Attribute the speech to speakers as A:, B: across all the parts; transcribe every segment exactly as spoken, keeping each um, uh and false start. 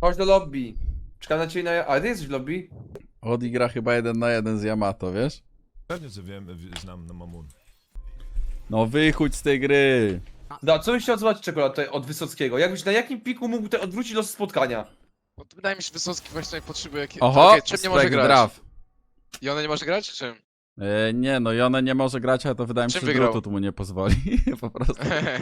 A: Chodź do lobby. Czekam na ciebie na... A ty jesteś w lobby?
B: Odi gra chyba jeden na jeden z Yamato, wiesz?
C: Pewnie, że wiem, w- znam na Mamun.
B: No wychódź z tej gry.
A: Da, co byś chciał zobaczyć czekolad tutaj od Wysockiego? Jakbyś na jakim piku mógł tutaj odwrócić los spotkania?
D: No, to wydaje mi się, że Wysocki właśnie potrzebuje jakiego...
B: Oho,
D: Okej, czym nie może
B: spek
D: grać?
B: draft.
D: I ona nie może grać, czy czym?
B: E, nie, no i ona nie może grać, ale to wydaje mi się,
D: Czym
B: że
D: wygrał?
B: Drutut mu nie pozwoli. Po prostu.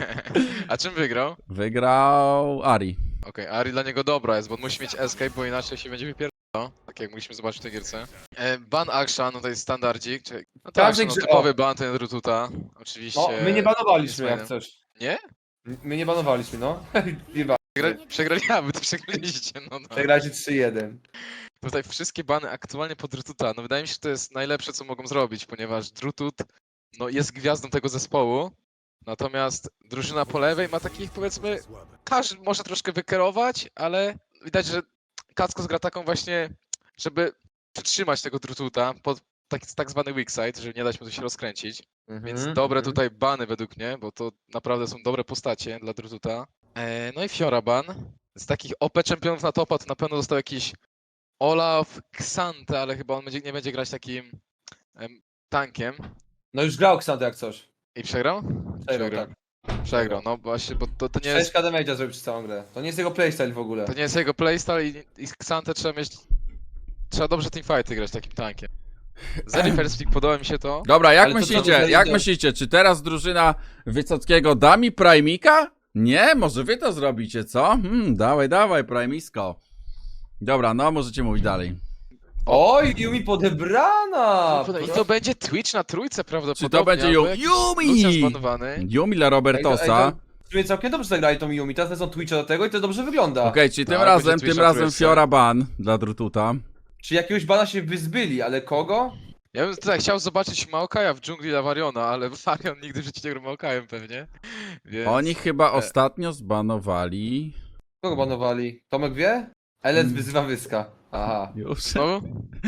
D: A czym wygrał?
B: Wygrał Ari.
D: Okej, Ari dla niego dobra jest, bo on musi mieć escape, bo inaczej się będzie wypierdalał. Tak jak mogliśmy zobaczyć w tej gierce. E, ban Akshan, no to jest standardzik. Czyli... No to
A: Każdy
D: Akshan, no,
A: grze-
D: typowy ban, ten Drututa. Oczywiście.
A: No, my nie banowaliśmy
D: jest
A: jak
D: fajne.
A: coś.
D: Nie?
A: My nie banowaliśmy, no. Chyba.
D: Przegra... Przegrali, a wy to przegraliście, no no.
A: Przegraliście trzy jeden.
D: Tutaj wszystkie bany aktualnie pod Drututa. No wydaje mi się, że to jest najlepsze, co mogą zrobić, ponieważ Drutut no, jest gwiazdą tego zespołu. Natomiast drużyna po lewej ma takich, powiedzmy, każdy może troszkę wykierować, ale widać, że Kackos gra taką właśnie, żeby przytrzymać tego Drututa pod tak, tak zwany weak side, żeby nie dać mu się rozkręcić. Więc
A: Mhm,
D: dobre
A: mhm.
D: tutaj bany według mnie, bo to naprawdę są dobre postacie dla Drututa. E, no i Fiora ban. Z takich O P czempionów na topa to na pewno został jakiś Olaf Xante, ale chyba on będzie, nie będzie grać takim em, tankiem.
A: No już grał Xanto jak coś.
D: I przegrał?
A: Przegrał, tak.
D: Przegrał, no właśnie, bo to, to nie
A: sześć
D: jest,
A: K damage'a zrobił przez całą grę. To nie jest jego playstyle w ogóle.
D: to nie jest jego playstyle i, i Xante trzeba mieć... Trzeba dobrze teamfighty grać takim tankiem. Zeri first pick, podoba mi się to.
B: Dobra, jak
A: Ale to co
B: myślicie,
A: tutaj
B: jak
A: idzie?
B: myślicie, czy teraz drużyna Wysockiego da mi Primika? Nie, może wy to zrobicie, co? Hmm, dawaj, dawaj, Primisko. Dobra, no możecie mówić dalej.
A: Oj, Yumi podebrana!
D: I to będzie Twitch na trójce prawdopodobnie.
B: Czy to będzie
D: albo
B: Yumi?
D: jakiś Lucian
B: Yumi!
D: zbanowany.
B: Yumi dla Robertosa.
A: W sumie całkiem dobrze zagrali tą Yumi, teraz lecą Twitcha do tego i to dobrze wygląda.
B: Okej, czyli tym
D: Tak,
B: razem,
D: będzie
B: tym
D: Twitch na
B: razem
D: trójce.
B: Fiora ban dla Drututa.
A: Czy jakiegoś bana się wyzbyli, ale kogo?
D: Ja bym tutaj chciał zobaczyć Maokaja w dżungli dla Variona, ale Varion nigdy w życiu nie grał Maokajem pewnie. Więc...
B: Oni chyba
D: e.
B: ostatnio zbanowali...
A: Kogo banowali? Tomek wie? Elec
B: Hmm.
A: wyzywa Wyska. Aha.
B: Już.
D: No.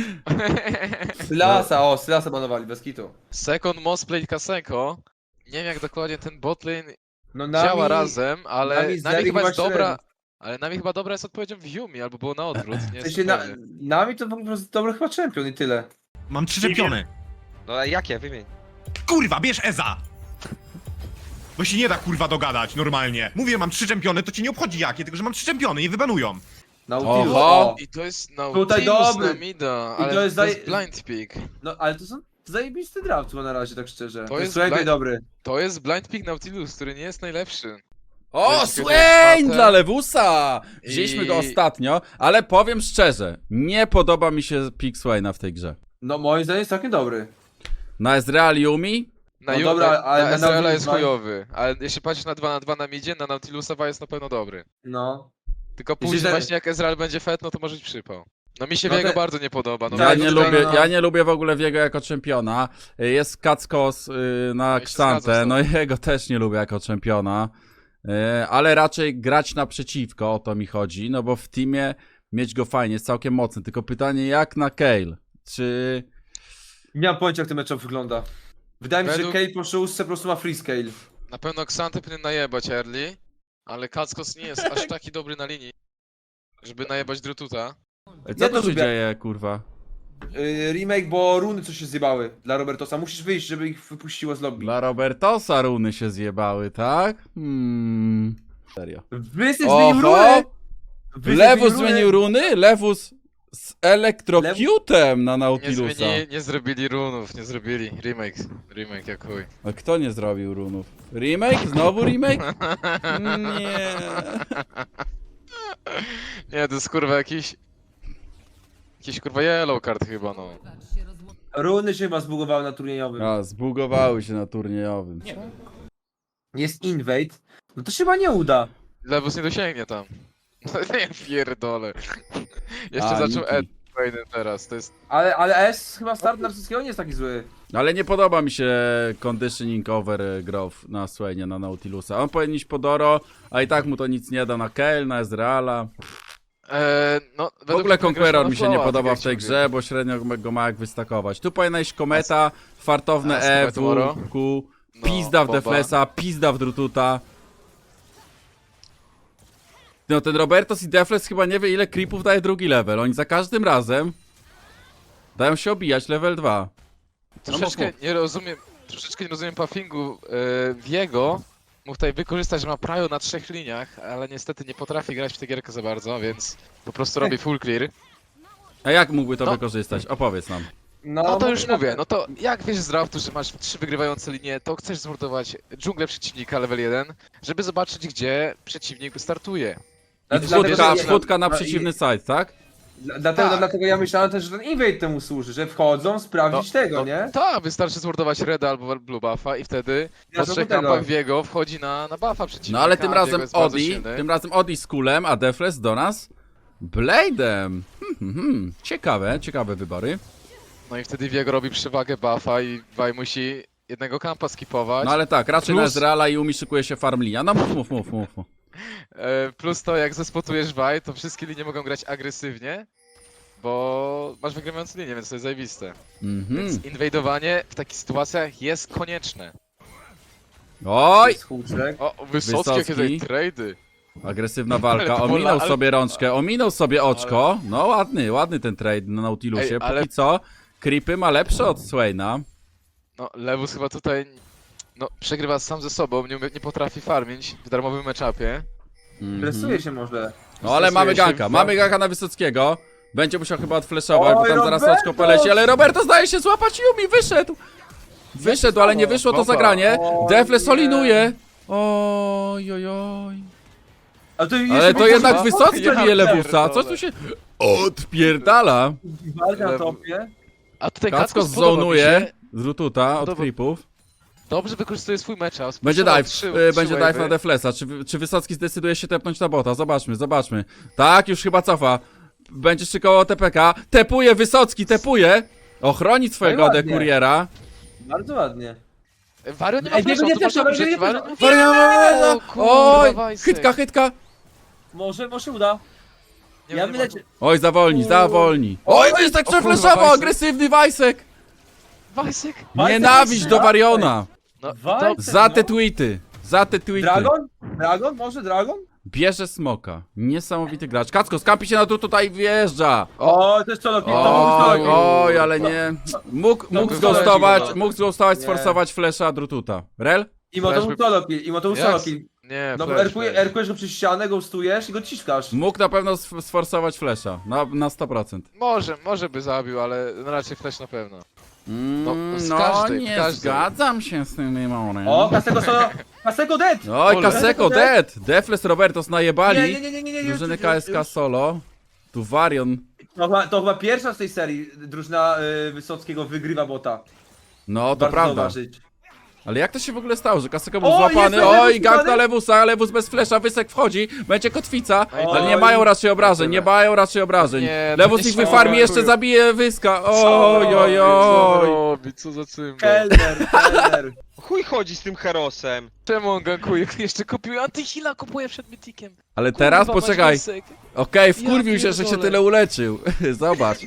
A: Sylasa, o, Sylasa banowali, bez kitu.
D: Second most played Kasenko. Nie wiem jak dokładnie ten botlane
A: No
D: działa razem, ale
A: nami z
D: nami
A: Zeri
D: chyba jest
A: chyba
D: dobra.
A: średnio.
D: Ale nami chyba dobra jest odpowiedzią w Yumi, albo było na odwrót. Nie
A: W
D: jestem
A: sensie na,
D: pewny.
A: nami to po prostu dobry chyba czempion i tyle.
E: Mam trzy czempiony.
F: No a jakie? Wymień.
E: Kurwa, bierz Eza! Bo się nie da kurwa dogadać normalnie. Mówię, mam trzy czempiony, to cię nie obchodzi jakie, tylko że mam trzy czempiony, nie wybanują.
A: Nautilus,
B: Oho.
A: o.
D: I to jest Nautilus
A: Tutaj dobry.
D: na mida,
A: I
D: ale
A: to jest
D: to jest
A: zaj-
D: blind pick.
A: No, ale to są zajebisty draft chyba na razie, tak szczerze. To,
D: jest
A: jest słuchaj,
D: blind-
A: dobry.
D: To jest blind pick Nautilus, który nie jest najlepszy.
B: O,
D: Wiesz, kiedy
B: Swain
D: jest
B: dla Lewusa! Wzięliśmy
D: I-
B: go ostatnio, ale powiem szczerze, nie podoba mi się pick Swaina w tej grze.
A: No moim zdaniem jest całkiem dobry.
B: Na Ezreal Yumi?
D: Na,
A: No
D: Yu-
A: dobra,
D: na,
A: ale
D: na
A: na
D: Ezreala
A: Nautilus
D: jest
A: dwa-
D: chujowy, ale jeśli patrzysz na dwa na dwa na midzie, na Nautilusa jest na pewno dobry.
A: No.
D: Tylko
A: Jeśli
D: później
A: za-
D: właśnie jak Ezreal będzie fet, no to może być przypał. No mi się
A: No
D: Viego
A: te-
D: bardzo nie podoba. No
B: Ja
A: Tak,
B: nie,
A: no
B: lubię,
A: tutaj, no.
B: ja nie lubię w ogóle Viego jako czempiona. Jest Kackos y, na
D: Ja się
B: Xante,
D: zgadzam z
B: no
D: tobą.
B: jego też nie lubię jako czempiona. Y, ale raczej grać naprzeciwko, o to mi chodzi, no bo w teamie mieć go fajnie, jest całkiem mocny. Tylko pytanie jak na Kayle? Czy...
A: Nie mam pojęcia jak ten matchup wygląda. Wydaje mi się,
D: Według-
A: że Kale po szóstce po prostu ma free scale.
D: Na pewno Xante powinien najebać early, ale Kackos nie jest aż taki dobry na linii, żeby najebać Drututa.
B: Co
A: Ja
B: to
A: to
B: się
A: lubię.
B: dzieje, kurwa?
A: Yy, remake, bo runy coś się zjebały dla Robertosa. Musisz wyjść, żeby ich wypuściło z lobby.
B: Dla Robertosa runy się zjebały, tak? Hmm... Serio.
A: Wysyp zmienił runy!
B: Oho!
A: Wysyp
B: Lewus
A: runy!
B: zmienił runy? Lewus z elektrocutem na
D: Nie,
B: Nautilusa.
D: zmienili, nie zrobili runów, nie zrobili. Remake, remake jak chuj.
B: A kto nie zrobił runów? Remake? Znowu remake? Nie.
D: Nie, to jest kurwa jakiś... Jakiś kurwa yellow card chyba, no.
A: Runy się chyba zbugowały na turniejowym.
B: A, zbugowały się na turniejowym.
A: Jest invade. No to się chyba nie uda.
D: Lewus nie dosięgnie tam. Nie pierdolę. Jeszcze
B: A,
D: zaczął
B: Niki.
D: Ed Wayne teraz, to jest...
A: Ale, ale S chyba start narcyzskiego nie jest taki zły.
B: Ale nie podoba mi się conditioning over e, growth na Swainie, na Nautilusa. On powinien iść po Doro, a i tak mu to nic nie da na Kayle, na Ezreala.
D: Eee, no,
B: W ogóle Conqueror mi się nie podoba w tej
D: grze.
B: grze, bo średnio go ma jak wystakować. Tu powinna iść Kometa, fartowne
D: a
B: E,
D: Sky Tomorrow?
B: W, Q,
D: No,
B: pizda w
D: Boba.
B: Deflesa, pizda w Drututa. No ten Robertos i Defles chyba nie wie ile creepów daje drugi level. Oni za każdym razem dają się obijać level dwa.
D: Troszeczkę nie rozumiem, troszeczkę nie rozumiem puffingu yy, Viego. Mógł tutaj wykorzystać, że ma prajo na trzech liniach, ale niestety nie potrafi grać w tę gierkę za bardzo, więc po prostu robi full clear.
B: A jak mógłby to
D: No.
B: wykorzystać? Opowiedz nam.
A: No,
D: No to
A: może
D: już
A: na-
D: mówię, no to jak wiesz z draftu, że masz trzy wygrywające linie, to chcesz zmordować dżunglę przeciwnika level jeden, żeby zobaczyć gdzie przeciwnik startuje.
A: Dla-
B: I
A: dlatego,
B: wchódka,
A: że-
B: wchódka na
A: no i-
B: przeciwny side, tak?
A: Dla- Dlatego,
D: Tak.
A: dlatego ja myślałem też, że ten invade temu służy, że wchodzą sprawdzić tego,
D: no,
A: nie?
D: Tak, wystarczy zmordować Reda albo Blue Buffa i wtedy
A: Ja
D: po
A: to
D: trzech
A: do tego.
D: kampach Viego wchodzi na, na buffa przeciwnika.
B: No ale tym
D: a
B: razem
D: Viego jest bardzo
B: Odi,
D: silny.
B: tym razem Odi z kulem, a Defles do nas Blade'em. Hmm, hmm, hmm. Ciekawe, ciekawe wybory.
D: No i wtedy Viego robi przewagę buffa i Vi musi jednego kampa skipować.
B: No ale tak, raczej na
D: Plus-
B: Ezreala i Umi szykuje się farm linia. No mów, mów, mów, mów. mów.
D: E, plus to jak zespotujesz Vi, to wszystkie linie mogą grać agresywnie, bo masz wygrywające linie, więc to jest zajebiste.
B: Mhm.
D: Więc inwajdowanie w takich sytuacjach jest konieczne.
B: Oj!
A: Z huczek.
D: O, Wysocki, jakie
B: Wysocki.
D: tutaj trady.
B: Agresywna walka,
D: Ale to
B: ominął
D: pola- ale-
B: sobie rączkę, ominął sobie oczko. No ładny, ładny ten trade na Nautilusie.
D: Ej, ale-
B: Póki co, creepy ma lepsze od Swaina.
D: No, Lewus chyba tutaj no, przegrywa sam ze sobą, nie, umie- nie potrafi farmić w darmowym matchupie.
B: Mhm.
A: Stresuje się może.
B: No ale
D: Stresuje
B: mamy
D: się
B: ganka,
D: w-
B: mamy ganka na Wysockiego. Będzie musiał chyba odfleszować, bo
A: Oj,
B: tam zaraz
A: Roberto!
B: oczko poleci, ale Roberto zdaje się złapać Yumi, wyszedł! Wyszedł, ale nie wyszło to
D: Bomba.
B: zagranie.
A: O
B: Defle
A: nie.
B: solinuje. Oj, oj, oj.
A: Ale to,
B: Ale
A: jeszcze
B: to
A: będzie
B: jednak
A: walka
B: Wysocki
D: Ja
B: bije Lewusa,
D: pierdolę.
B: coś tu się odpierdala.
A: na topie.
D: A tutaj
B: Kacko
D: Kacko spodobał mi
B: zonuje
D: się.
B: z Rututa od
D: Podoba-
B: creepów.
D: Dobrze wykorzystuje swój matchup.
B: Będzie
D: spuszczował
B: dive,
D: trzy-
B: y,
D: trzy
B: będzie dive
D: wave'y.
B: na Deflesa. Czy, czy Wysocki zdecyduje się tepnąć na bota? Zobaczmy, zobaczmy. Tak, już chyba cofa. Będzie szykował T P K. Tepuje Wysocki, tepuje. Ochroni swojego
A: No i ładnie.
B: dekuriera.
A: Bardzo ładnie.
D: Wario nie ma
A: Ej,
D: flasha,
A: nie, nie,
D: to masz
A: nie,
D: dobrze,
A: nie, nie,
D: Wario
A: nie,
D: nie
B: Wariawa!
D: O, kurwa,
B: Oj,
D: Wajsek.
B: chytka, chytka.
A: Może, może uda.
D: Nie,
A: Ja
D: nie
A: myślę,
D: ma-
A: że...
B: Oj, zawolni,
A: Uuu.
B: zawolni. Oj, Wysek
D: O kurwa,
B: przefleszował,
D: Wajsek.
B: agresywny Wajsek.
D: Wajsek!
A: Wajsek
B: Nienawiść
A: jest
B: do
A: Wajsek.
B: Wariona.
D: No,
A: Wajsek.
D: to,
B: Za te
A: no.
B: tweety, za te tweety.
A: Dragon? Dragon? Może Dragon?
B: Bierze smoka. Niesamowity gracz. Kacko, skampi się na tu, tutaj wjeżdża.
A: O, to jest solo kill, to mógł
B: Oj,
A: solo kill.
B: oj, ale nie. Mógł, mógł
A: by
B: zghostować,
A: wylecił,
B: mógł zghostować,
A: Nie.
B: sforsować flesza Drututa. Rel?
A: Imo to
D: Flash
A: był
D: by-
A: solo kill, imo to był
D: Jak?
A: solo kill.
D: nie,
A: No bo
D: flash,
A: erkuje-
D: flash.
A: erkujesz go przez ścianę, ghostujesz i go ciskasz.
B: Mógł na pewno sf- sforsować flesza. Na, na sto procent.
D: Może, może by zabił, ale no raczej flash na pewno.
B: Mm,
D: z
B: no,
D: każdej,
B: nie
D: każdej.
B: zgadzam się z tym Mimorem.
A: O, Kasego solo... Kasego dead!
B: Oj,
D: Ole.
B: Kaseko dead! Defles Robertos najebali.
A: Nie, nie, nie, nie, nie, nie, nie.
B: Drużyny
A: już,
B: K S K
A: już.
B: solo. Tu Varion.
A: To chyba, to chyba pierwsza z tej serii drużyna y, Wysockiego wygrywa bota.
B: No, to
A: Warto
B: prawda.
A: zauważyć.
B: Ale jak to się w ogóle stało, że Kaseko był
A: O,
B: złapany?
A: jest
B: Oj,
A: Lewus
B: gang na
A: złapany?
B: Lewusa, Lewus bez flesza, Wysek wchodzi, będzie kotwica,
D: Oj,
B: ale nie mają raczej obrażeń, nie mają raczej obrażeń.
D: Nie, to
B: Lewus
D: nie
B: ich
D: śmiało,
B: wyfarmi, jeszcze
D: dziękuję.
B: zabije Wyska.
A: Co
B: Oj, oj,
D: Co on
B: oj.
D: robi? Co za cymbał?
A: Kelner, Kelner.
F: Chuj chodzi z tym Herosem.
D: Czemu on gankuje? Jeszcze kupił antyhila, kupuje przed mytikiem.
B: Ale teraz
D: Kurwa,
B: poczekaj.
D: Wajsek.
B: Okej, wkurwił
D: Ja
B: się, że się
D: pierdolę.
B: tyle uleczył. Zobacz.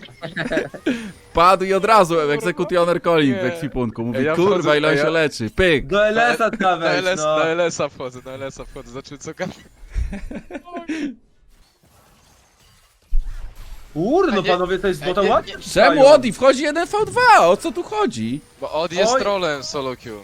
B: Padł i od razu egzekutioner calling w
D: Nie.
B: ekwipunku. Mówi,
D: Ej, ja
B: kurwa,
D: wchodzę-
B: ile on
D: ej,
B: się
D: ja-
B: leczy. Pyk.
A: Do L S-a
D: Na
A: nawet,
D: L S,
A: no.
D: na L S-a wchodzę, na L S-a wchodzę, znaczy co kam...
A: Kurde, no
D: A nie-
A: panowie, to jest
D: a
A: bota
D: nie-
A: ładnie.
D: nie-
B: Czemu Odi wchodzi jeden v dwa? O co tu chodzi?
D: Bo Od jest
A: Oj.
D: trolem solo queue.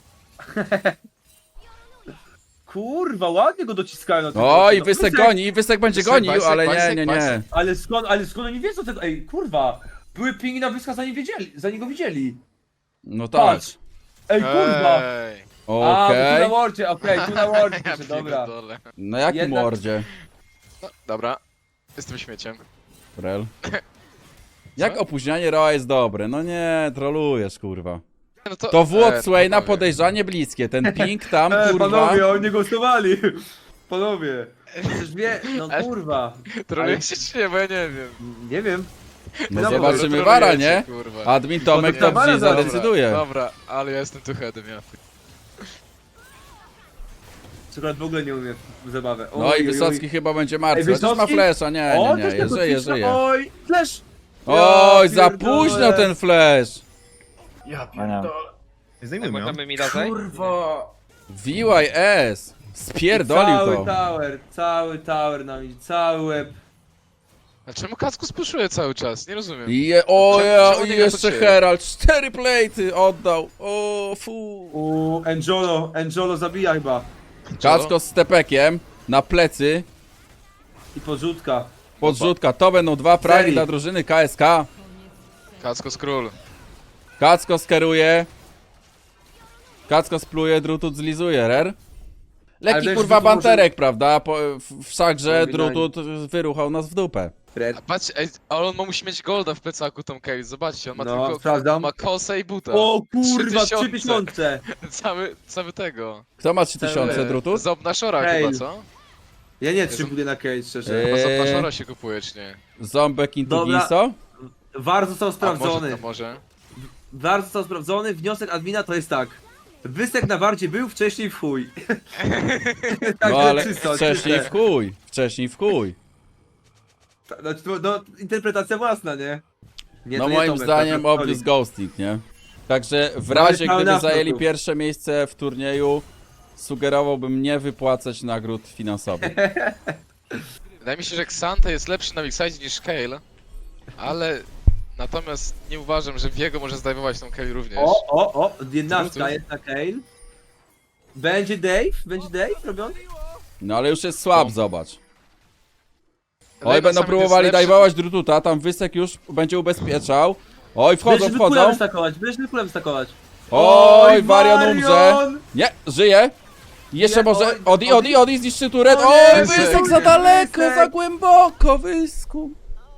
A: Kurwa, ładnie go dociskają na tym
B: Oj,
A: bocie. No,
B: Wysek
A: Wysek-
B: goni, Wysek będzie
D: Wysek,
B: gonił,
D: Wysek,
B: ale nie,
D: Wysek,
B: nie, nie.
D: Wysek.
A: Ale skąd, ale skąd oni wiedzą tego? Ej, kurwa. Były pingi na Wyska zanim wiedzieli, zanim go widzieli.
B: No tak.
A: Patrz. Ej, kurwa.
D: Ej.
A: A, bo tu na
B: Okej.
A: wardzie, okej, tu na wardzie,
D: Ja
A: pisze, dobra.
D: pierdolę.
B: Na jakim
A: Jednak-
B: mordzie?
D: No, dobra. Jestem śmieciem.
B: Rel. Jak opóźnianie Roa jest dobre? No nie, trolujesz, kurwa.
D: No
B: To w
D: e,
B: Swaina
D: panowie.
B: podejrzanie bliskie, ten ping tam,
A: E,
B: kurwa.
A: panowie, oni nie głosowali. Panowie. Przecież wie, no kurwa.
D: Trolujecie czy nie, bo ja nie wiem.
A: Nie wiem.
B: No
A: Dobra,
B: zobaczymy
D: Trolujecie,
B: Wara, nie?
D: Kurwa.
B: Admin Tomek
A: Potem
B: to
A: Wara
B: G
A: zaraz.
B: zadecyduje.
D: Dobra, ale ja jestem tu headem, ja.
A: Przykład w ogóle nie umie w zabawę.
B: No
A: Oj,
B: i
A: oj,
B: Wysocki
A: oj.
B: chyba będzie martwy,
A: Ej,
B: chociaż ma
A: Wysocki?
B: flesza, nie,
A: O,
B: nie,
A: też
B: nie,
A: tego
B: żyje,
A: cisza.
B: żyje.
A: Oj, flash.
B: Oj,
A: Ja
B: za
A: pierdolę.
B: późno ten flash.
A: Ja pierdolę.
E: Zdejmujmy ją.
F: Możemy mi dać?
A: Kurwa.
B: V I S. Spierdolił
A: Cały
B: to.
A: tower, cały tower nam idzie, cały łeb.
D: A czemu Kackus puszuje cały czas? Nie rozumiem.
B: I je, o
D: Czemu-
B: ja,
D: czemu
B: i
D: nie gra
B: jeszcze
D: pod siebie?
B: Herald, cztery plejty oddał. O fu.
A: U Angelo, Angelo zabija chyba.
B: Kacko z stepekiem na plecy.
A: I podrzutka.
B: Podrzutka, to będą dwa fragi
A: Serii.
B: dla drużyny K S K.
D: Kackus król.
B: Kacko skeruje. Kacko spluje, Drutut zlizuje, rer.
A: Ale
B: Lekki
A: wiesz,
B: kurwa
A: Drutut może-
B: banterek, prawda? Po, w, wszakże
A: Ewidentnie.
B: Drutut wyruchał nas w dupę.
D: A patrz, ej, ale on ma, musi mieć golda w plecaku Tom Case, zobaczcie, on ma
A: No,
D: tylko
A: sprawdzam.
D: ma kosę i buta.
A: O kurwa,
D: Trzy
A: trzy tysiące.
D: Cały, cały tego.
B: Kto ma trzy tysiące,
D: Cały-
B: Drutut?
D: Zob na szora
A: Hej.
D: chyba, co?
A: Ja nie trzymuję na case, szczerze.
B: Eee.
D: Chyba zob na szora się kupuje, czy nie?
B: Ząbek
A: Dobra.
B: Intugiso?
A: War został
D: A może,
A: sprawdzony.
D: to może.
A: War został sprawdzony, wniosek admina to jest tak. Wysek na wardzie był wcześniej w chuj. Tak,
B: No ale
A: czysto,
B: wcześniej
A: czyste.
B: w chuj. Wcześniej w chuj.
A: Ta- Znaczy, to, no, interpretacja własna, nie? Nie,
B: No
A: to nie
B: moim
A: Tomek,
B: zdaniem
A: to
B: obvious ghosting, nie? Także w
A: No,
B: razie
A: ale
B: gdyby
A: pełna
B: zajęli
A: wtopów.
B: pierwsze miejsce w turnieju, sugerowałbym nie wypłacać nagród finansowych.
D: Wydaje mi się, że Xante jest lepszy na Wixide niż Kale, ale natomiast nie uważam, że Viego może zdejmować tą Kale również.
A: O, o, o, jednastka
D: Trudno.
A: jest na Kale. Będzie Dave? Będzie Dave robiony?
B: No ale już jest słab,
D: No.
B: zobacz.
D: Lejna
B: Oj, będą
D: Summit
B: próbowali
D: jest lepszy.
B: dajwować Drututa, tam Wysek już będzie ubezpieczał. Oj, wchodzą,
A: Będziemy kulem
B: wchodzą.
A: stakować, będziemy kulem stakować.
B: Oj, Varian umrze.
A: Varian!
B: Nie, żyje. Jeszcze
A: Nie,
B: może.
A: oj,
B: Odi, Odi, Odi zniszczy turet.
A: O
B: Oj,
A: nie,
B: Wysek za
A: Wysek,
B: daleko,
A: Wysek.
B: za głęboko, Wysku.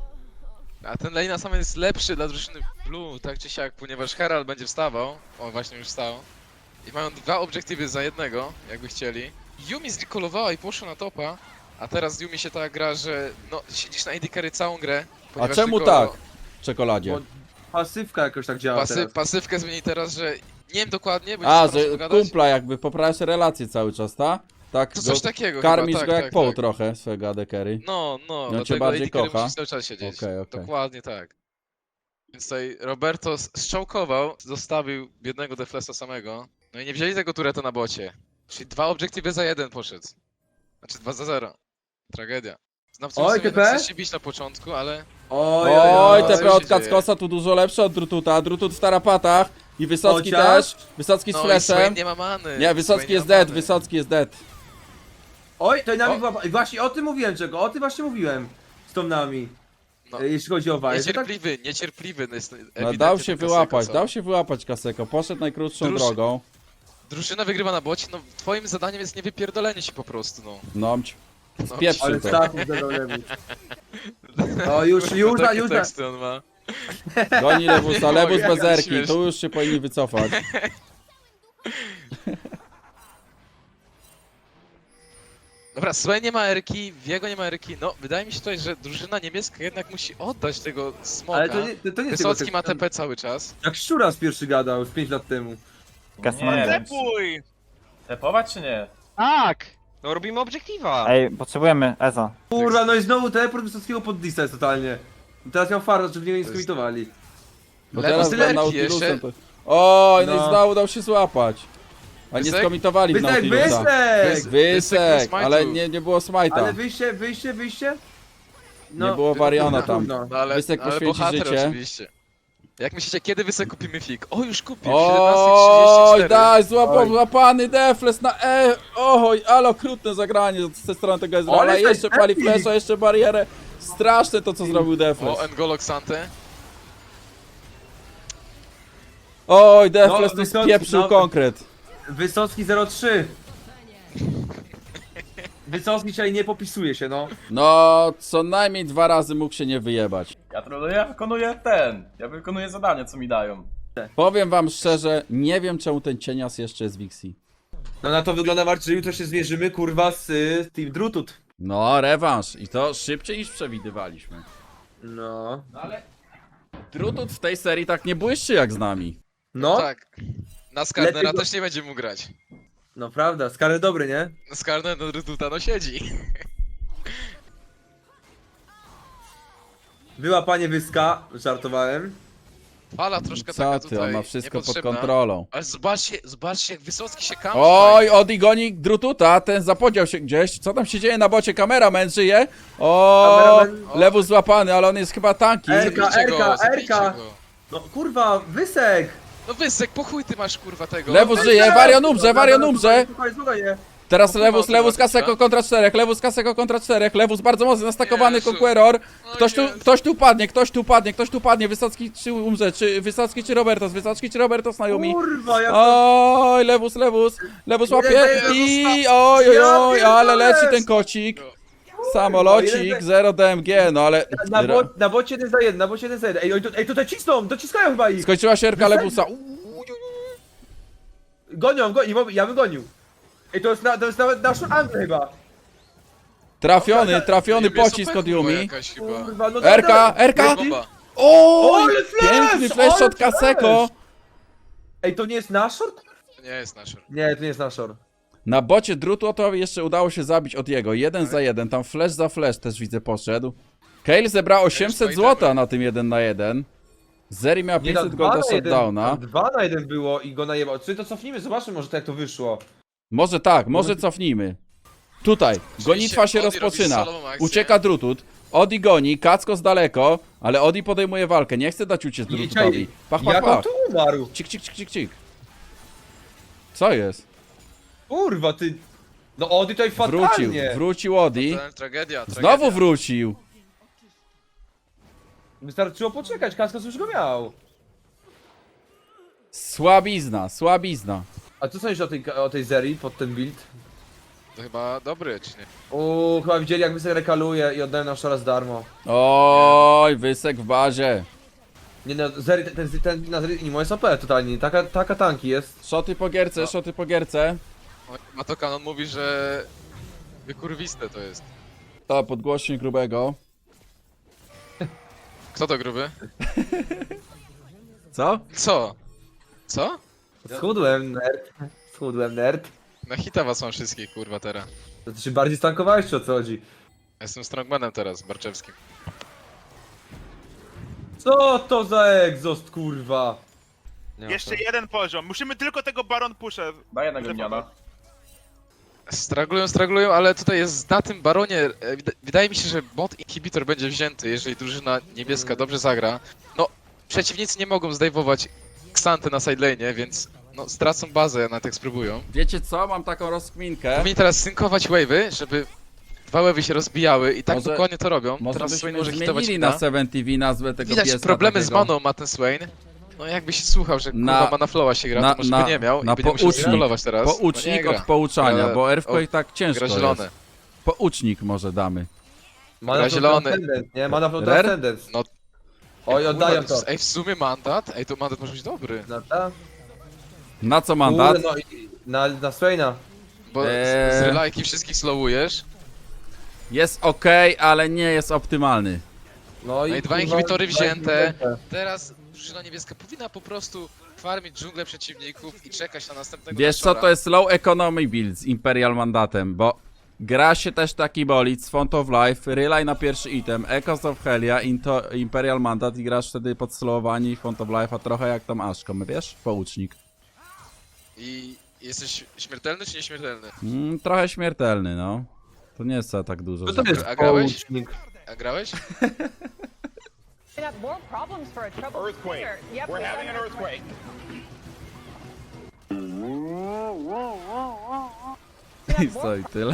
D: A ten Lejna Summit jest lepszy dla drużyny Blue, tak czy siak, ponieważ Herald będzie wstawał. O, właśnie już wstał. I mają dwa obiektywy za jednego, jakby chcieli. Yumi zrekolowała i poszła na topa, a teraz Yumi się tak gra, że no, siedzisz na A D carry całą grę.
B: A
D: ponieważ
B: czemu
D: tylko
B: tak? W czekoladzie.
A: Bo pasywka jakoś tak działa
D: Pasy,
A: teraz.
D: pasywkę zmieni teraz, że nie wiem dokładnie, bo
B: A,
D: nie chcę
B: że
D: pogadać.
B: kumpla jakby poprawiasz relacje cały czas, tak? Tak,
D: To
B: go,
D: coś takiego
B: karmisz
D: chyba, tak,
B: go jak
D: tak,
B: poł
D: tak.
B: trochę, swego A D carry.
D: No, no,
B: cię
D: dlatego
B: bardziej
D: A D carry
B: kocha?
D: musi cały czas siedzieć.
B: Okej, okej.
D: Dokładnie tak. Więc tutaj Roberto s- strzałkował, zostawił biednego Deflesa samego. No i nie wzięli tego tureta na bocie. Czyli dwa obiektywy za jeden poszedł. Znaczy dwa za zero. Tragedia. Znawców
A: Oj,
D: sobie
A: T P?
D: jednak chce się bić na początku, ale...
A: Oj,
B: Oj,
D: co
B: T P
D: się
B: od
D: dzieje?
B: Kackosa tu dużo lepsze od Drututa. Drutut w tarapatach. I Wysocki
A: Chociaż-
B: też. Wysocki z
D: No i
B: flashem.
D: Swain nie ma many.
B: Nie, Wysocki
D: Swain
B: jest
D: nie ma
B: dead,
D: many.
B: Wysocki jest dead.
A: Oj, to nami
D: O.
A: była... Właśnie o tym mówiłem czego, o tym właśnie mówiłem. Z tą nami.
D: No.
A: E, Jeśli chodzi o Waję. że tak-
D: Niecierpliwy, niecierpliwy jest
B: No,
D: ewidentnie
B: dał się
D: ten
B: wyłapać,
D: Kaseko, co?
B: dał się wyłapać Kaseko. Poszedł najkrótszą
D: Druż-
B: drogą.
D: Drużyna wygrywa na bocie, no twoim zadaniem jest nie wypierdolenie się po prostu, no.
B: Nomć.
D: no
B: Spieprzył
A: Ale
B: to.
A: status zadał lewus. O, już, już,
D: Takie
A: już, już.
D: teksty on ma.
B: Goni Lewusa,
D: Nie
B: Lewus
D: mogę,
B: bez erki.
D: śmieszne.
B: Tu już się powinni wycofać.
D: Dobra, Swain nie ma erki, Viego nie ma erki, no wydaje mi się tutaj, że drużyna niebieska jednak musi oddać tego smoka.
A: Ale to nie, to, to nie jest
D: Wysocki
A: tylko-
D: ma T P cały czas.
A: Jak Szczura z pierwszy gadał, z pięć lat temu.
G: Nie,
F: Tepuj!
G: tepować czy nie?
F: Tak! No robimy obiektywa.
H: Ej, potrzebujemy Eza.
A: Kurwa, no i znowu teleport Wysockiego pod Disa jest totalnie. Teraz miał farta, żeby w niego nie
D: To jest-
A: skomitowali.
B: Bo
D: Lewus
B: teraz
D: tyle
B: był
D: erki
B: Nautilusem
D: jeszcze.
B: to... Oj, no i
A: No.
B: znowu dał się złapać. A nie
D: Wysek?
B: skomitowali w
A: Wysek,
B: Nautilusa.
A: Wysek!
D: Wys- Wysek
B: Wysek,
D: nie
B: ale
D: smite'u.
B: nie, nie było smajta.
A: Ale wyjście, wyjście, wyjście? No,
B: Nie było Variana
A: trudno,
B: tam.
A: trudno.
D: No ale,
B: Wysek
D: ale
B: poświęci
D: bohater
B: życie.
D: oczywiście. Jak myślicie, kiedy Wysek kupimy fig? O, już kupił,
B: Oj,
D: siedemnaście trzydzieści cztery.
B: daj, złapał,
A: Oj.
B: złapany Defles na E. Oj, ale okrutne zagranie z tej strony tego Ezreala.
A: Ale
B: Jeszcze
A: to
B: pali
A: epic.
B: flesza, jeszcze barierę. Straszne to, co zrobił Defles.
D: O, N'Golo Xante.
B: Oj, Defles
A: No,
B: tu
A: Wysocki,
B: spieprzył
A: no.
B: konkret.
A: Wysocki zero trzy. Wysocki dzisiaj nie popisuje się, no.
B: No, co najmniej dwa razy mógł się nie wyjebać.
G: Ja troluję, ja wykonuję ten. Ja wykonuję zadanie, co mi dają.
B: Powiem wam szczerze, nie wiem czemu ten cienias jeszcze jest w Wixi.
A: No na to wygląda Marcin, że jutro się zmierzymy, kurwa, z y, Team Drutut.
B: No, rewanż. I to szybciej niż przewidywaliśmy.
A: No.
B: Drutut w tej serii tak nie błyszczy jak z nami.
A: No,
D: Tak. Na Skarnera
A: Lepiej go-
D: też nie będzie mógł grać.
A: no prawda, Skary dobry, nie?
D: Skarner no Rytuta no siedzi.
A: Była panie Wyska, żartowałem.
D: Fala troszkę
B: Co
D: taka
B: ty,
D: tutaj
B: on ma wszystko pod
D: niepotrzebna.
B: kontrolą.
D: Ale zobaczcie, zobaczcie jak Wysocki się kampi.
B: Oj, Odi goni Drututa, ten zapodział się gdzieś. Co tam się dzieje na bocie? Kameraman żyje? O,
A: Kameraman-
B: Lewus złapany, ale on jest chyba tanki.
A: Ej,
D: Zabijcie
A: Erka,
D: go, zabijcie
A: Erka.
D: go.
A: No kurwa, Wysek!
D: No Wysek, po chuj ty masz kurwa tego.
B: Lewus żyje, Varian umrze, Varian umrze.
A: Słuchaj, słuchaj, nie.
B: Teraz
D: No,
B: Lewus,
D: kurwa,
B: Lewus
D: kurwa,
B: Kaseko
D: kurwa.
B: kontra czterech, Lewus Kaseko kontra czterech, Lewus bardzo mocno nastakowany
D: Jezu.
B: Conqueror.
D: O
B: Ktoś tu,
D: Jezu.
B: ktoś tu padnie, ktoś tu padnie, ktoś tu padnie, Wysocki czy umrze, czy Wysocki czy Robertos, Wysocki czy Robertos na Yumi.
A: Kurwa, jak to...
B: Oj, Lewus, Lewus, Lewus
A: Jeden
B: łapie
A: za jeden
B: i
A: został.
B: oj, oj,
A: Ja
B: oj, ale
A: pierdolę.
B: leci ten kocik.
D: No.
B: Samolocik,
A: jeden-
B: zero D M G, no ale...
A: Na, bo, na bocie jeden za jeden, na bocie jeden za jeden. Ej, oj, tu- ej tutaj cisną, dociskają chyba ich.
B: Skończyła się Erka Lewusa.
A: Gonią, gonią, ja bym gonił. Ej, to jest, na, to jest nawet nasz angel chyba.
B: Trafiony, trafiony
D: Niebieso
B: pocisk
D: pech,
B: od
D: kurwa,
B: Yumi.
D: jakaś chyba.
A: Kurwa, no
B: Erka,
A: dobra.
B: Erka!
D: Bomba.
B: Oj,
A: Ale flash,
B: piękny flash
A: ale
B: od Kaseko.
A: Ej, to nie jest Nashor?
D: To nie jest nasz.
A: Nie, to nie jest Nashor.
B: Na bocie drutu to jeszcze udało się zabić od jego. Jeden za jeden, tam flash za flash też widzę poszedł. Kale zebrał osiemset złota na tym jeden na jeden. Zeri miała
A: Nie, na
B: pięćset
A: dwa
B: golda
A: na jeden,
B: shutdowna.
A: tam dwa na jeden było i go najebał. Czy to cofnijmy, zobaczmy może to jak to wyszło.
B: Może tak, może cofnijmy. Tutaj, gonitwa się
D: Odi robi
B: rozpoczyna.
D: solową akcję.
B: Ucieka drutut. Odi goni, Kacko z daleko, ale Odi podejmuje walkę. Nie chce dać uciec drututowi. Pach, pach,
A: Jak on
B: pach.
A: tu umarł?
B: Cik, cik, cik, cik, cik. Co jest?
A: Kurwa, ty... No Ody tutaj
B: Wrócił,
A: fatalnie.
B: wrócił Odi.
D: To tragedia, tragedia.
B: Znowu wrócił.
A: Wystarczyło poczekać, Kaskos już go miał.
B: Słabizna, słabizna.
A: A co sądzisz o tej, o tej serii pod ten build?
D: To chyba dobry, czy nie?
A: Uuu, chyba widzieli jak Wysek rekaluje i oddają nam szaraz darmo.
B: Oj, Wysek w bazie.
A: Nie no, Zeri, ten, ten, ten na Zeri nie jest O P totalnie, taka, taka tanki jest.
B: Szoty po gierce, szoty po gierce.
D: O, Mato Kanon mówi, że... Wykurwiste to jest.
B: To podgłośnik grubego.
D: Kto to gruby?
B: Co?
D: Co? Co?
A: Schudłem, nerd. Schudłem, nerd.
D: Na hita was mam wszystkich, kurwa, teraz.
A: To ty się bardziej stankowałeś, czy o co chodzi?
D: Ja Jestem strongmanem teraz, Barczewskim.
A: Co to za egzost, kurwa?
H: Jeszcze jeden poziom. Musimy tylko tego Baron Pusher.
G: Daj jednego miniona.
D: Straglują, straglują, ale tutaj jest na tym baronie. e, wida- Wydaje mi się, że bot inhibitor będzie wzięty, jeżeli drużyna niebieska dobrze zagra. No, przeciwnicy nie mogą zdejmować Xanty na sidelane, więc no, stracą bazę, nawet jak spróbują.
B: Wiecie co? Mam taką rozkminkę.
D: Powinni teraz synkować wave'y, żeby dwa wave'y się rozbijały i tak
B: Może-
D: dokładnie to robią.
B: Może
D: teraz Swain
B: byśmy
D: może hitować
B: zmienili
D: hita.
B: na seven T V nazwę tego
D: Widać
B: pieska
D: problemy z
B: takiego.
D: maną ma ten Swain. No jakby się słuchał, że
B: Na-
D: kurwa mana flowa się gra,
B: na-
D: to może
B: na-
D: by nie miał
B: na
D: i by nie musiał
B: poucznik.
D: skolować teraz. no nie
B: Poucznik
D: gra.
B: od pouczania,
D: Gra-
B: bo Earthquake
D: o,
B: tak ciężko
D: Gra
B: jest.
D: zielone.
B: Poucznik może damy.
A: Mana
D: Gra
A: flow
D: zielony.
A: Transcendence, nie? Mana flow
B: Rare?
A: Transcendence.
D: No.
A: Oj, oddają
D: Kurwa,
A: to.
D: Ej, w sumie mandat? Ej, to mandat może być dobry.
A: Na ta?
B: Na co mandat?
A: Kurde, no i na, na Swaina.
D: Bo
B: Eee.
D: z, z relajki wszystkich slowujesz.
B: Jest ok, ale nie jest optymalny.
A: No i,
D: No i dwa
A: kurwa,
D: inhibitory
A: dwa
D: wzięte.
A: inhibitory.
D: Teraz drużyna niebieska powinna po prostu farmić dżunglę przeciwników i czekać na następnego
B: Wiesz co,
D: Nashora.
B: to jest low economy build z Imperial mandatem, bo gra się też taki bolid z Font of Life, Relay na pierwszy item, Echoes of Helia, into, Imperial mandat i grasz wtedy pod slowowanie i Font of Life, a trochę jak tam Ashcom, wiesz? Poucznik.
D: I jesteś śmiertelny czy nieśmiertelny?
B: Mm, trochę śmiertelny, no. To nie jest za tak dużo.
A: Co to
B: że-
A: jest
D: A grałeś?
A: poucznik?
D: A grałeś?
H: Earthquake. We're having an earthquake.
B: I co, i tyle.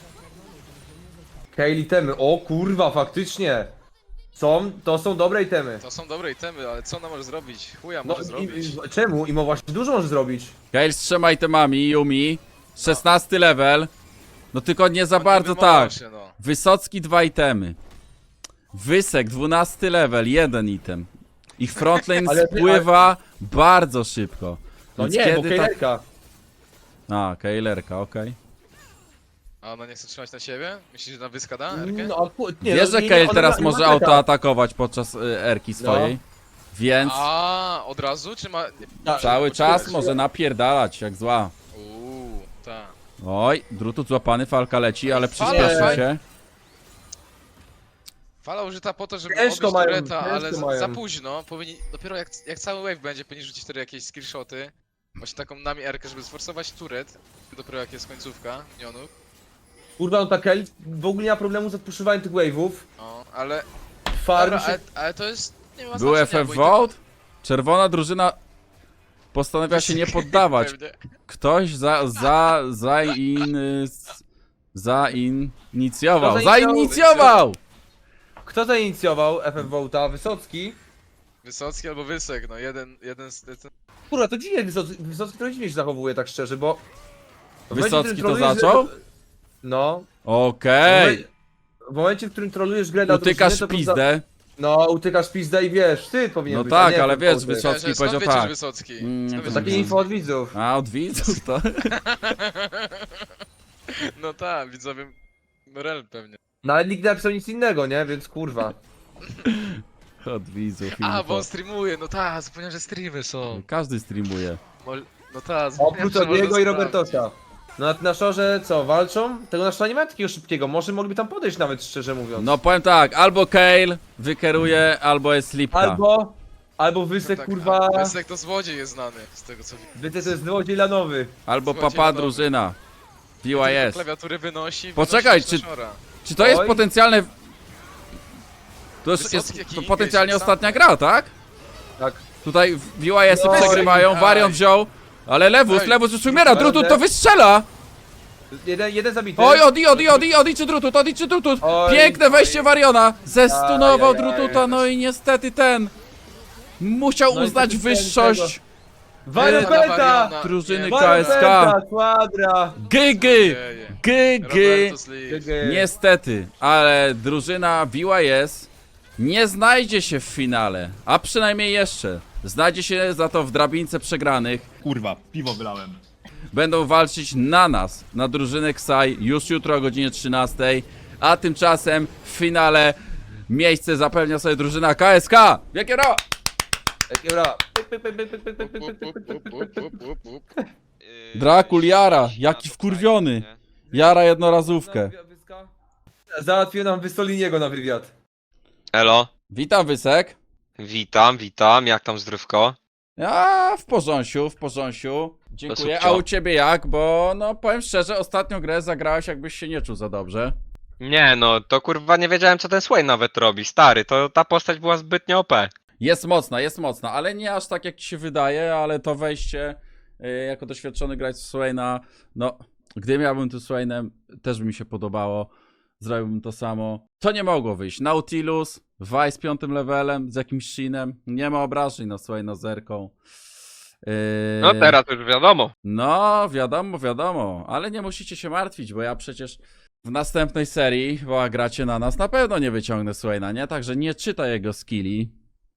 A: Kale itemy, o kurwa, faktycznie. Są, to są dobre itemy.
D: To są dobre itemy, ale co ona może zrobić? Chuja
A: No
D: może zrobić.
A: i, i, czemu? Imo właśnie dużo może zrobić.
B: Kale z trzema itemami, Yumi, szesnasty level. No tylko nie za
D: No, nie
B: bardzo
D: wymowa
B: tak.
D: się, no.
B: Wysocki dwa itemy. Wysek dwunasty level, jeden item. Ich frontlane
A: Ale-
B: spływa bardzo szybko.
A: No
B: Więc
A: nie, bo
B: kiedy tak...
A: Kalerka.
B: A, Kejlerka, okej.
D: A ona nie chce trzymać na siebie? Myślisz, że na wyska da Erkę?
A: No, a ku- nie,
B: Wiesz,
A: no,
B: że
A: nie,
B: Kale
A: ona
B: teraz
A: ma-
B: może
A: ma teka.
B: autoatakować podczas y, erki swojej. Więc
D: A, od razu? Czy ma...
A: Tak.
B: cały czas
A: poczekaj.
B: może napierdalać jak zła.
D: Uuu, tak.
B: Oj, drutut złapany, falka leci, ale
D: Fala,
B: przyspieszy
A: fajnie.
B: się.
D: Fala użyta po to, żeby
A: Ciężko
D: obić
A: mają,
D: tureta, ale
A: ciężko
D: za,
A: mają.
D: za późno. Powinni, dopiero jak, jak cały wave będzie, powinni rzucić wtedy jakieś skillshoty. Właśnie taką nami erkę, żeby sforsować turet. Dopiero jak jest końcówka minionów.
A: Kurwa, no ta Kelly w ogóle nie ma problemu z odpuszywaniem tych wave'ów.
D: No, ale,
A: Farm
D: dobra,
A: się...
D: ale, ale to jest... Nie ma
B: Był
D: znaczenia,
B: F F
D: bo i tak-
B: Vote? Czerwona drużyna postanawia się nie poddawać.
D: Pewnie.
B: Ktoś za, za, za in... Zainicjował.
A: Kto zainicjował?
B: Zainicjował!
A: Kto zainicjował F F Volta? Wysocki?
D: Wysocki albo Wysek, no jeden, jeden z... Ten...
A: Kurwa, to dziwnie Wysocki, Wysocki to dziwnie się zachowuje tak szczerze, bo... w momencie, w
B: Wysocki
A: którym
B: to
A: trolujesz-
B: zaczął?
A: No.
B: Okej.
A: W momencie, w którym trolujesz grę dla
B: Utykasz
A: drużyny, to
B: pizdę.
A: No, utykasz pizdę i wiesz, ty powinien
B: No
A: być,
B: tak,
A: a nie
B: ale
A: F F
B: wiesz,
A: Volta.
B: Wysocki
D: Skąd
B: powiedział
D: wiecie, że
B: tak.
D: Wysocki?
B: Mm,
D: Skąd
B: to
D: wiecie,
A: Takie
D: że
A: info od widzów.
B: A od widzów to...
D: No tak, widzowie... Rel pewnie.
A: No ale nikt nie napisał nic innego, nie? Więc kurwa.
B: Od widzów.
D: A,
B: info.
D: bo on streamuje, no tak, zapomniałem, że streamy są.
B: Każdy streamuje.
D: Mol... No tak, zapomniałem,
A: Oprócz
D: że można
A: Odiego i
D: sprawdzić.
A: Robertosa. No na, na szorze co, walczą? Tego na szorze nie ma takiego szybkiego, może mogliby tam podejść nawet, szczerze mówiąc.
B: No powiem tak, albo Kale wykeruje, albo jest Lipka.
A: Albo... Albo Wysek,
D: Tak,
A: kurwa...
D: a Wysek to złodziej jest znany, z tego co widzę.
A: Wysek to jest złodziej lanowy.
B: Albo
D: Złodziej
B: papa
D: lanowy.
B: drużyna. V Y S.
D: Klawiatury wynosi,
B: Poczekaj,
D: wynosi
B: czy-
D: na szora.
B: Czy to jest
A: Oj.
B: potencjalne... To jest,
D: Wysocki
B: jest
D: jaki
B: to
D: Inge
B: potencjalnie
D: jest
B: ostatnia gra, tak?
A: Tak.
B: Tutaj V Y S-y
A: No,
B: przegrywają,
D: ej.
B: Varian wziął. Ale Lewus,
D: Ej,
B: Lewus już umiera,
A: ale-
B: Drutut to wystrzela!
A: Jeden, jeden zabity.
B: Oj, Odi, Odi, Odi, Odi czy Drutut, Odi czy Drutut!
A: Oj,
B: Piękne wejście Variona! Zestunował
A: Aj, aj, aj,
B: Drututa, no i niestety ten... Musiał
A: No i
B: uznać
A: ten-
B: wyższość
A: Varian
B: Ej,
A: Penta!
D: Variana,
B: drużyny
D: nie,
B: K
A: Varian
B: S K.
A: Penta, Quadra!
B: Gygy!
D: dzieje.
B: Gygy!
D: Robertus Lee.
B: Niestety, ale drużyna V Y S nie znajdzie się w finale, a przynajmniej jeszcze. Znajdzie się za to w drabince przegranych.
E: Kurwa, piwo wylałem.
B: Będą walczyć na nas, na drużynę Ksai, już jutro o godzinie trzynastej, a tymczasem w finale miejsce zapewnia sobie drużyna K S K. Wielkie brawa!
A: Jakie bra. Pyk, pyk, pyk, pyk, pyk, pyk, pyk, pyk, pyk, pyk, pyk, pyk, pyk.
B: Drakul Jara, jaki wkurwiony. Jara jednorazówkę.
A: Załatwił nam Wysoliniego na wywiad.
I: Elo,
B: Witam Wysek.
I: witam, witam, jak tam zdrówko?
B: A w porządku, w porządku. Dziękuję. A
I: subcio.
B: u ciebie jak? Bo no powiem szczerze, ostatnią grę zagrałeś jakbyś się nie czuł za dobrze.
I: Nie no, to kurwa nie wiedziałem co ten Sway nawet robi, stary, to ta postać była zbytnio O P.
B: Jest mocna, jest mocna, ale nie aż tak jak ci się wydaje, ale to wejście y, jako doświadczony gracz w Swaina, no gdy miałbym tu Swainem, też by mi się podobało. Zrobiłbym to samo. To nie mogło wyjść. Nautilus, Vi z piątym levelem, z jakimś shinem. Nie ma obrażeń na Swaina z zerką. Yy,
I: No teraz już wiadomo.
B: No, wiadomo, wiadomo, ale nie musicie się martwić, bo ja przecież w następnej serii, bo gracie na nas, na pewno nie wyciągnę Swaina, nie? Także nie czytaj jego skilli.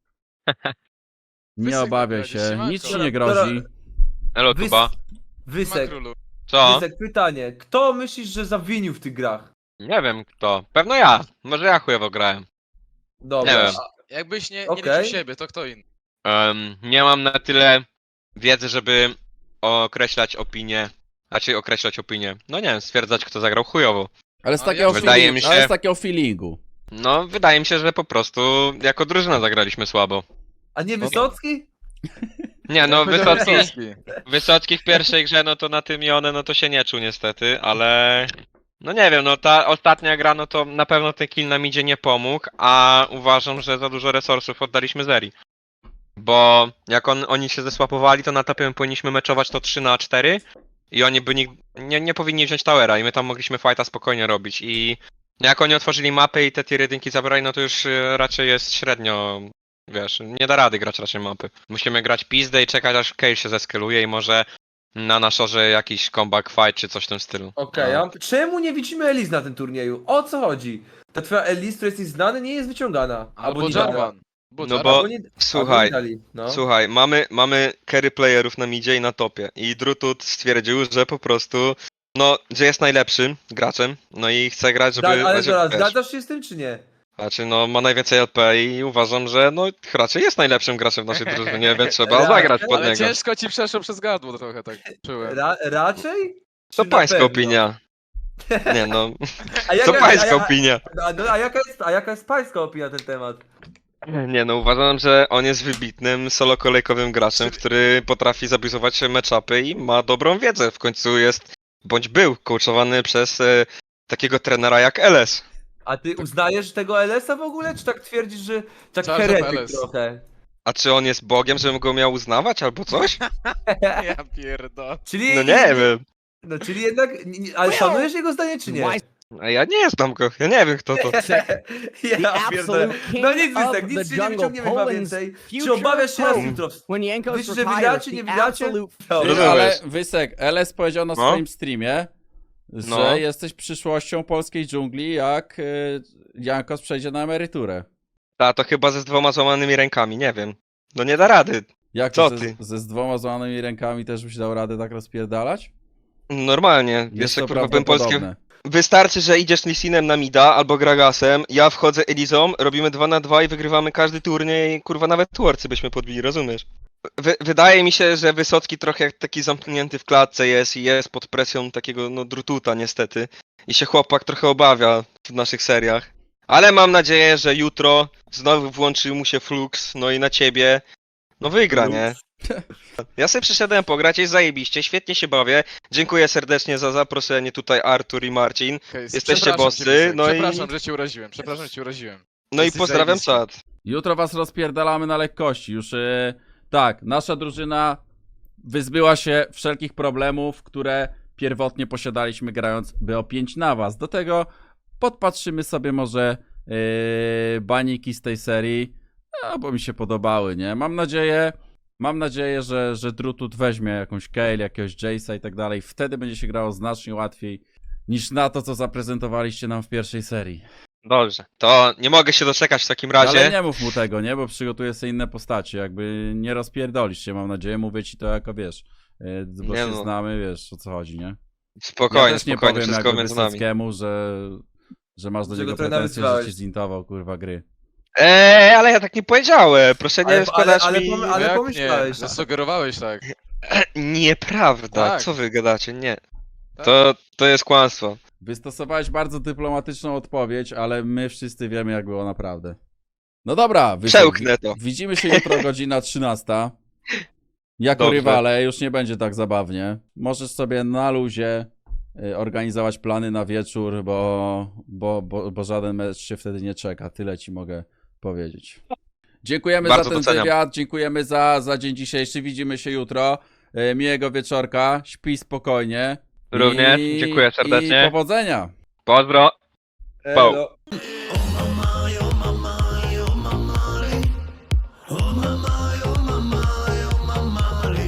B: Nie
D: Wysek
B: obawiaj
D: będzie,
B: się,
D: siemanko.
B: nic ci nie grozi.
I: Elo
A: Wys...
I: Tuba.
A: Wysek,
D: Makrólu.
I: Co?
A: Wysek, pytanie. Kto myślisz, że zawinił w tych grach?
I: Nie wiem kto, pewno ja, może ja chujowo grałem.
A: Dobra.
I: Nie wiem.
A: a-
D: Jakbyś nie, nie
A: Okej.
D: liczył siebie, to kto inny?
I: Em, nie mam na tyle wiedzy, żeby określać opinię, raczej określać opinię. No nie wiem, stwierdzać kto zagrał chujowo.
B: Ale z
D: No,
B: takiego,
D: ja-
I: Wydaje
B: feeling,
I: mi się-
B: ale z takiego feelingu.
I: No wydaje mi się, że po prostu jako drużyna zagraliśmy słabo.
A: A nie Wysocki?
I: Nie no, Wysocki,
D: Wysocki.
I: Wysocki w pierwszej grze, no to na tym i one, no to się nie czuł niestety, ale... No nie wiem, no ta ostatnia gra, no to na pewno ten kill nam idzie nie pomógł, a uważam, że za dużo resursów oddaliśmy Zeri. Bo jak on, oni się zesłapowali, to na topie my powinniśmy meczować to trzy na cztery i oni by nig- nie, nie powinni wziąć towera i my tam mogliśmy fighta spokojnie robić i no jak oni otworzyli mapę i te tier jedynki zabrali, no to już y, raczej jest średnio, wiesz, nie da rady grać raczej mapy. Musimy grać pizdę i czekać aż Kale się zeskaluje i może na naszorze jakiś comeback fight czy coś w tym stylu.
A: Okej,
B: No.
A: a czemu nie widzimy Elis na tym turnieju? O co chodzi? Ta twoja Elis, która jesteś znany, nie jest wyciągana.
D: Albo
A: nie dana.
D: Jarvan. Bo
I: No
D: Jarvan.
I: bo-
A: Albo nie,
I: Słuchaj,
A: albo nie dali, no.
I: Słuchaj, mamy, mamy carry playerów na midzie i na topie i Drutut stwierdził, że po prostu, no, że jest najlepszym graczem, no i chce grać, żeby...
A: Da, ale
I: żeby,
A: zaraz,
I: wiesz,
A: zgadzasz się z tym czy nie?
I: Znaczy, no, ma najwięcej L P i uważam, że no, raczej jest najlepszym graczem w naszej drużynie, więc trzeba
A: Ra-
I: zagrać pod
D: Ale
I: niego.
D: ciężko ci przeszło przez gardło trochę, tak czułem.
A: Ra, raczej?
I: To
A: Czy na
I: pańska
A: pewno?
I: opinia. Nie no,
A: A jaka,
I: co pańska
A: a, a,
I: opinia?
A: a, no, a, jaka jest, a jaka jest pańska opinia na ten temat?
I: Nie no, uważam, że on jest wybitnym solo-kolejkowym graczem, który potrafi zabizować matchupy i ma dobrą wiedzę. W końcu jest, bądź był, coachowany przez e, takiego trenera jak L S.
A: A ty uznajesz tego L S-a w ogóle, czy tak twierdzisz, że tak
D: Charge of
A: heretyk
D: L S.
A: trochę?
I: A czy on jest Bogiem, żebym go miał uznawać albo coś?
F: Ja pierdolę.
A: Czyli,
I: No nie wiem.
A: No czyli jednak, nie- nie- ale szanujesz jego zdanie, czy nie?
I: A ja nie znam go, ja nie wiem kto to.
A: Ja pierdolę. No nic, Wysek, nic się nie wyciągniemy chyba więcej. Czy obawiasz się raz jutro? Myślisz, że wygracie, nie wygracie?
B: Ty,
I: Rozumiesz.
B: ale Wysek, L S powiedział na
I: No.
B: swoim streamie, że
I: No.
B: jesteś przyszłością polskiej dżungli, jak y, Jankos przejdzie na emeryturę.
I: Ta, to chyba ze z dwoma złamanymi rękami, nie wiem. No nie da rady.
B: Jak
I: Co
B: ze,
I: ty?
B: ze z dwoma złamanymi rękami też byś dał radę tak rozpierdalać?
I: Normalnie,
B: Jest
I: jeszcze
B: to
I: kurwa bym polskie...
B: prawdopodobne.
I: Wystarczy, że idziesz Lissinem na mida albo Gragasem, ja wchodzę Elizą, robimy dwa na dwa i wygrywamy każdy turniej, kurwa nawet Tworcy byśmy podbili, rozumiesz? Wy, wydaje mi się, że Wysocki trochę jak taki zamknięty w klatce jest i jest pod presją takiego no drututa niestety. I się chłopak trochę obawia w naszych seriach. Ale mam nadzieję, że jutro znowu włączy mu się Flux, no i na ciebie, no wygra, nie? Ja sobie przyszedłem pograć, jest zajebiście, świetnie się bawię. Dziękuję serdecznie za zaproszenie tutaj Artur i Marcin.
D: Okej,
I: Jesteście
D: przepraszam
I: bossy,
D: cię, Wysek,
I: no i-
D: Przepraszam, że cię uraziłem, przepraszam, że cię uraziłem.
I: No i
D: Jesteś
I: pozdrawiam
D: zajebisty.
I: czat.
B: Jutro was rozpierdalamy na lekkości. Już y, tak, nasza drużyna wyzbyła się wszelkich problemów, które pierwotnie posiadaliśmy grając B O pięć na was. Do tego podpatrzymy sobie może yy, baniki z tej serii, no, bo mi się podobały, nie? Mam nadzieję, mam nadzieję, że, że Drutut weźmie jakąś Kale, jakiegoś Jace'a i tak dalej. Wtedy będzie się grało znacznie łatwiej niż na to, co zaprezentowaliście nam w pierwszej serii.
I: Dobrze, to nie mogę się doczekać w takim
B: Ale
I: razie.
B: nie mów mu tego, nie? Bo przygotuję sobie inne postacie. Jakby nie rozpierdolisz się, mam nadzieję. Mówię ci to jako, wiesz, yy, bo
I: Nie
B: się
I: no.
B: znamy, wiesz, o co chodzi, nie?
I: Spokojnie,
B: ja też nie
I: spokojnie,
B: powiem
I: wszystko
B: jakby
I: między nami.
B: Wysockiemu, że, że masz do
A: Że
B: niego
A: go trenera
B: pretensje, że
A: wyzwałeś.
B: ci zintował, kurwa, gry.
I: Eee, ale ja tak nie powiedziałem, proszę nie
A: Ale-
I: składać
A: ale- ale
I: mi...
A: pom-
D: Ale
A: Ale
D: jak
A: pomyślałeś.
D: nie, zasugerowałeś tak.
I: Nieprawda,
D: Tak.
I: co wy gadacie, nie.
D: Tak.
I: To, to jest kłamstwo.
B: Wystosowałeś bardzo dyplomatyczną odpowiedź, ale my wszyscy wiemy, jak było naprawdę. No dobra, Wysek,
I: Przełknę to.
B: widzimy się jutro godzina trzynasta. Jako
I: Dobrze.
B: rywale już nie będzie tak zabawnie. Możesz sobie na luzie y, organizować plany na wieczór, bo, bo, bo, bo żaden mecz się wtedy nie czeka. Tyle ci mogę powiedzieć. Dziękujemy
I: Bardzo
B: za ten
I: doceniam.
B: wywiad, dziękujemy za, za dzień dzisiejszy. Widzimy się jutro. Y, miłego wieczorka, śpij spokojnie.
I: Również, dziękuję serdecznie.
B: I powodzenia.
I: Pozdro.
A: Elo.